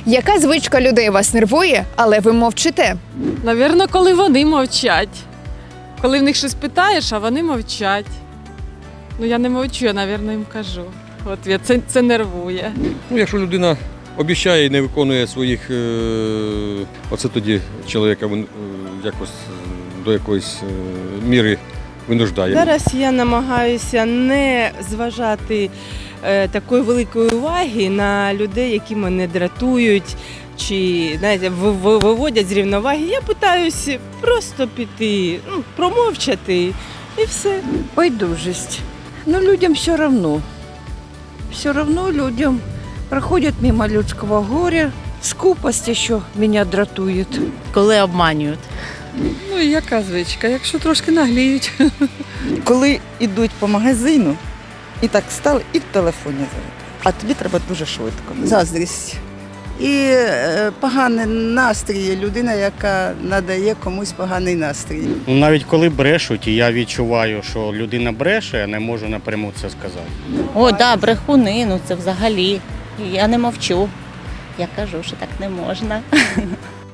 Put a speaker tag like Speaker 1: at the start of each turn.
Speaker 1: Яка звичка людей вас нервує, але ви мовчите?
Speaker 2: Навірно, коли вони мовчать. Коли в них щось питаєш, а вони мовчать. Ну я не мовчу, я, навірно, їм кажу. От це нервує.
Speaker 3: Ну, якщо людина обіцяє і не виконує своїх, оце тоді чоловіка якось до якоїсь міри винуждає.
Speaker 4: Зараз я намагаюся не зважати такої великої уваги на людей, які мене дратують чи, знаєте, виводять з рівноваги. Я питаюся просто піти, промовчати і все.
Speaker 5: Байдужесть. Но людям все равно. Все равно людям проходят мимо людского горя. Скупость еще меня дратует.
Speaker 6: Коли обманюють.
Speaker 7: Ну і яка звичка? Якщо трошки нагліють.
Speaker 8: Коли йдуть по магазину, і так стали, і в телефоні завжди. А тобі треба дуже швидко. Заздрість. І поганий настрій, людина, яка надає комусь поганий настрій.
Speaker 9: Навіть коли брешуть, і я відчуваю, що людина бреше, я не можу напряму це сказати.
Speaker 6: О, да, брехуни, ну це взагалі. Я не мовчу. Я кажу, що так не можна.